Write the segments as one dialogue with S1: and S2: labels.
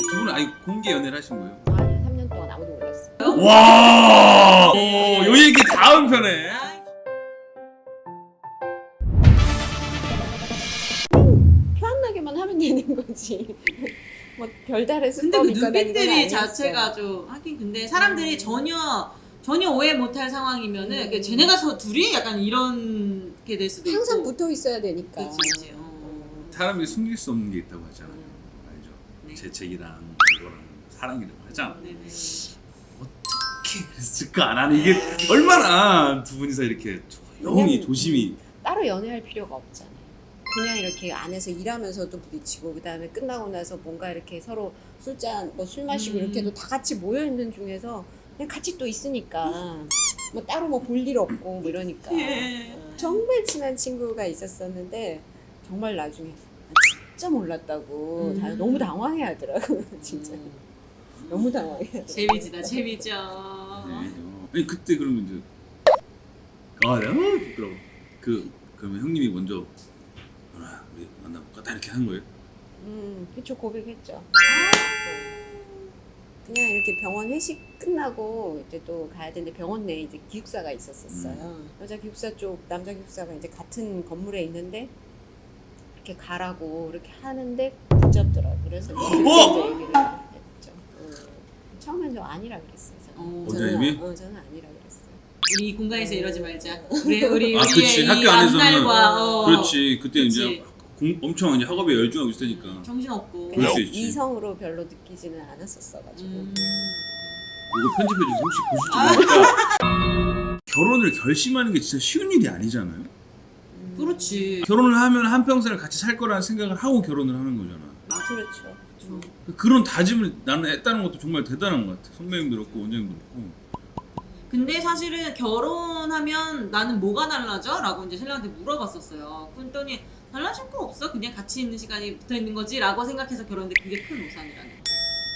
S1: 두 분은 아니 공개 연애를 하신 거예요?
S2: 아니 3년 동안 아무도 몰랐어.
S1: 와, 요 얘기 다음 편에.
S2: 편하게만 하면 되는 거지. 뭐 별다른
S3: 근데 그
S2: 수법이 있거나 이건
S3: 눈빛들이
S2: 아니었어요.
S3: 자체가 좀 하긴 근데 사람들이 전혀 오해 못할 상황이면은 그 쟤네가 둘이 약간 이런 게 될 수도 있고
S2: 항상 붙어 있어야 되니까.
S3: 그치.
S1: 사람이 숨길 수 없는 게 있다고 하잖아요. 알죠?
S3: 네.
S1: 재채기랑 이거랑 사랑이라고 하잖아.
S3: 네네.
S1: 어떻게 그랬을까? 나는 이게 얼마나 두 분이서 이렇게 조용히 조심히.
S2: 따로 연애할 필요가 없잖아요. 그냥 이렇게 안에서 일하면서도 부딪히고 그다음에 끝나고 나서 뭔가 이렇게 서로 술잔 뭐 술 마시고 이렇게도 다 같이 모여 있는 중에서 그냥 같이 또 있으니까 뭐 따로 뭐 볼 일 없고 뭐 이러니까
S3: 예.
S2: 정말 친한 친구가 있었었는데 정말 나중에 진짜 몰랐다고 다 너무 당황해하더라고 진짜 너무 당황해.
S3: 재미지죠.
S1: 네. 아니 그때 그러면 이제 너무 부끄러워. 그러면 형님이 먼저 우리 만나볼까? 다 이렇게 한 거예요?
S2: 그쵸 고백했죠. 그냥 이렇게 병원 회식 끝나고 이제 또 가야 되는데 병원 내에 이제 기숙사가 있었어요. 여자 기숙사 쪽, 남자 기숙사가 이제 같은 건물에 있는데 이렇게 가라고 이렇게 하는데 붙잡더라고. 그래서 이제 얘기를 했죠. 처음엔 저 아니라 그랬어요.
S1: 원장님이?
S2: 저는 아니라 그랬어요.
S3: 우리 이 공간에서 이러지 말자. 우리의
S1: 그치.
S3: 이
S1: 학교 안에서는
S3: 앞날과
S1: 그렇지. 그때
S3: 그치.
S1: 이제 엄청 이제 학업에 열중하고 있으니까.
S3: 정신없고.
S1: 그럴 수 있지.
S2: 이성으로 별로 느끼지는 않았었어가지고.
S1: 이거 편집해주세요. 혹시 보실지 모르니까 결혼을 결심하는 게 진짜 쉬운 일이 아니잖아요.
S3: 그렇지.
S1: 결혼을 하면 한평생을 같이 살 거라는 생각을 하고 결혼을 하는 거잖아.
S2: 그렇죠.
S1: 그런 다짐을 나는 했다는 것도 정말 대단한 것 같아. 선배님도 그렇고 원장님도 그렇고.
S3: 근데 사실은 결혼하면 나는 뭐가 달라져? 라고 이제 신랑한테 물어봤었어요. 그랬더니 달라질 거 없어. 그냥 같이 있는 시간이 붙어 있는 거지. 라고 생각해서 결혼했는데 그게 큰 오산이라는 거.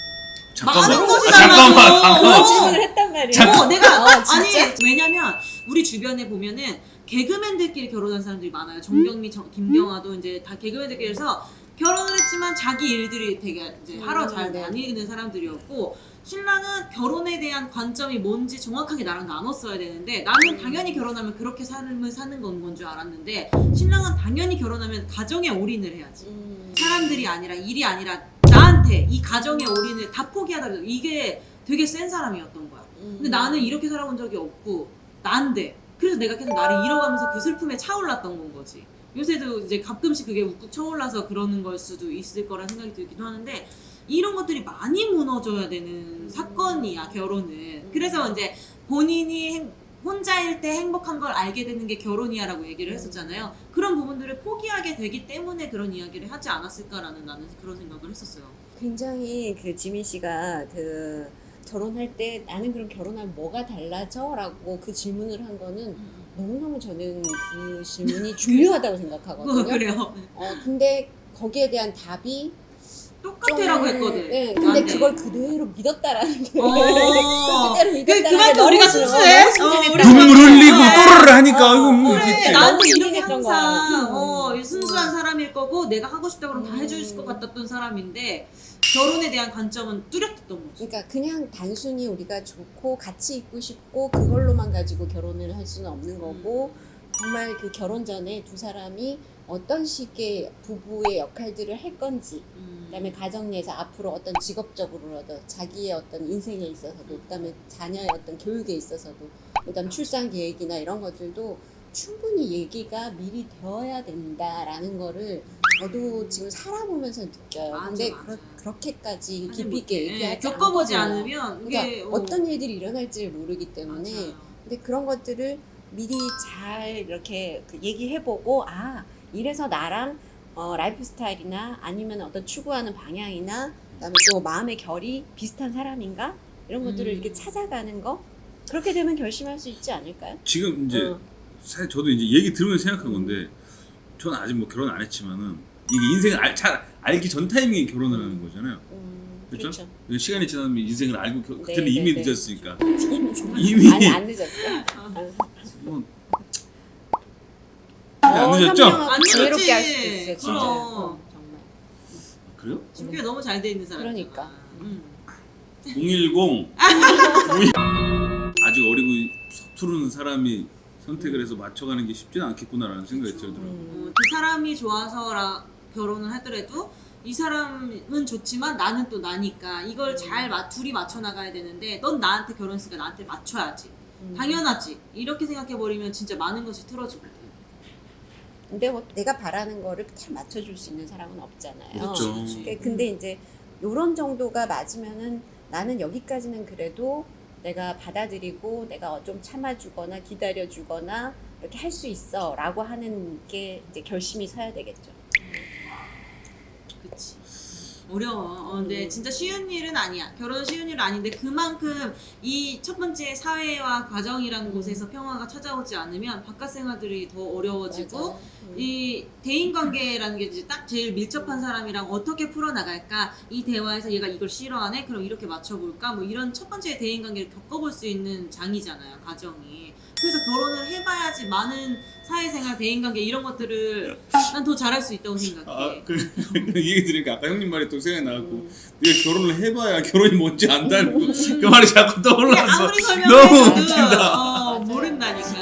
S3: 많은 것이 달라져.
S2: 그런 질문을 했단 말이야.
S3: 내가
S2: 진짜?
S3: 아니 왜냐면 우리 주변에 보면은 개그맨들끼리 결혼한 사람들이 많아요. 정경미, 김경아도 이제 다 개그맨들끼리 해서 결혼을 했지만 자기 일들이 되게 이제 하러 잘 다니는 사람들이었고 신랑은 결혼에 대한 관점이 뭔지 정확하게 나랑 나눴어야 되는데 나는 당연히 결혼하면 그렇게 삶을 사는 건 줄 알았는데 신랑은 당연히 결혼하면 가정에 올인을 해야지. 사람들이 아니라 일이 아니라 나한테 이 가정의 올인을 다 포기하다 이게 되게 센 사람이었던 거야. 근데 나는 이렇게 살아본 적이 없고 난데 그래서 내가 계속 나를 잃어가면서 그 슬픔에 차올랐던 건 거지. 요새도 이제 가끔씩 그게 웃고 쳐올라서 그러는 걸 수도 있을 거란 생각이 들기도 하는데 이런 것들이 많이 무너져야 되는 사건이야 결혼은. 그래서 이제 본인이 혼자일 때 행복한 걸 알게 되는 게 결혼이야라고 얘기를 했었잖아요. 그런 부분들을 포기하게 되기 때문에 그런 이야기를 하지 않았을까라는 나는 그런 생각을 했었어요.
S2: 굉장히 그 지민 씨가 그 결혼할 때 나는 그럼 결혼하면 뭐가 달라져? 라고 그 질문을 한 거는 너무너무 저는 그 질문이 중요하다고 생각하거든요.
S3: 그래요.
S2: 근데 거기에 대한 답이
S3: 똑같애라고 했거든.
S2: 네, 근데 그걸 그대로 믿었다라는 게
S3: 그대로
S2: 믿었다는
S3: 그만큼 우리가 순수해.
S1: 눈물 흘리고 또르르 하니까
S3: 그래, 나한테 이렇게
S2: 했던
S3: 항상 순수한 사람일 거고 내가 하고 싶다 그러면 다 해줄 것 같았던 사람인데 결혼에 대한 관점은 뚜렷했던 거지.
S2: 그러니까 그냥 단순히 우리가 좋고 같이 있고 싶고 그걸로만 가지고 결혼을 할 수는 없는 거고 정말 그 결혼 전에 두 사람이 어떤 식의 부부의 역할들을 할 건지 그다음에 가정 내에서 앞으로 어떤 직업적으로라도 자기의 어떤 인생에 있어서도 그다음에 자녀의 어떤 교육에 있어서도 그다음 출산 계획이나 이런 것들도 충분히 얘기가 미리 되어야 된다라는 거를 저도 지금 살아보면서 느껴요. 근데 그렇게까지 깊이 있게 얘기하지
S3: 겪어보지
S2: 않거든요.
S3: 않으면
S2: 그러니까
S3: 이게
S2: 어떤 일들이 일어날지를 모르기 때문에
S3: 맞아요.
S2: 근데 그런 것들을 미리 잘 이렇게 얘기해보고 이래서 나랑 라이프 스타일이나 아니면 어떤 추구하는 방향이나 그다음에 또 마음의 결이 비슷한 사람인가 이런 것들을 이렇게 찾아가는 거 그렇게 되면 결심할 수 있지 않을까요?
S1: 지금 이제 사실 저도 이제 얘기 들으면서 생각한 건데 저는 아직 뭐 결혼 안 했지만은 이게 인생을 잘 알기 전 타이밍에 결혼을 하는 거잖아요. 그렇죠? 시간이 지나면 인생을 알고 그때는 이미 늦었으니까. 이미
S2: 아니 안 늦었어.
S1: 안 늦었죠?
S3: 안 늦었지.
S2: 지혜롭게 할 수도 있어 진짜.
S3: 정말.
S1: 그래요?
S3: 준비가 너무 잘 돼 있는 사람.
S2: 그러니까.
S1: 010 아직 어리고 서투른 사람이 선택을 해서 맞춰가는 게 쉽지는 않겠구나라는 생각이 들더라고요.
S3: 그 사람이 좋아서 결혼을 하더라도 이 사람은 좋지만 나는 또 나니까 이걸 잘 둘이 맞춰 나가야 되는데 넌 나한테 결혼했으니까 나한테 맞춰야지. 당연하지. 이렇게 생각해버리면 진짜 많은 것이 틀어지거든.
S2: 근데 뭐 내가 바라는 거를 다 맞춰줄 수 있는 사람은 없잖아요.
S1: 그렇죠.
S2: 근데 이제 요런 정도가 맞으면은 나는 여기까지는 그래도 내가 받아들이고 내가 좀 참아주거나 기다려주거나 이렇게 할 수 있어 라고 하는 게 이제 결심이 서야 되겠죠.
S3: 그치. 어려워. 근데 진짜 쉬운 일은 아니야. 결혼은 쉬운 일은 아닌데 그만큼 이 첫 번째 사회와 가정이라는 곳에서 평화가 찾아오지 않으면 바깥 생활들이 더 어려워지고
S2: 맞아요.
S3: 이 대인관계라는 게 이제 딱 제일 밀접한 사람이랑 어떻게 풀어나갈까 이 대화에서 얘가 이걸 싫어하네? 그럼 이렇게 맞춰볼까? 뭐 이런 첫 번째 대인관계를 겪어볼 수 있는 장이잖아요. 가정이. 그래서 결혼을 해봐야지 많은 사회생활, 대인관계 이런 것들을 난 더 잘할 수 있다고 생각해.
S1: 그 얘기 들으니까 아까 형님 말이 또 생각이 나갖고 네가 결혼을 해봐야 결혼이 뭔지 안다는 그 말이 자꾸 떠올라서
S3: 아무리
S1: 너무
S3: 설명해도
S1: 웃긴다.
S3: 모른다니까.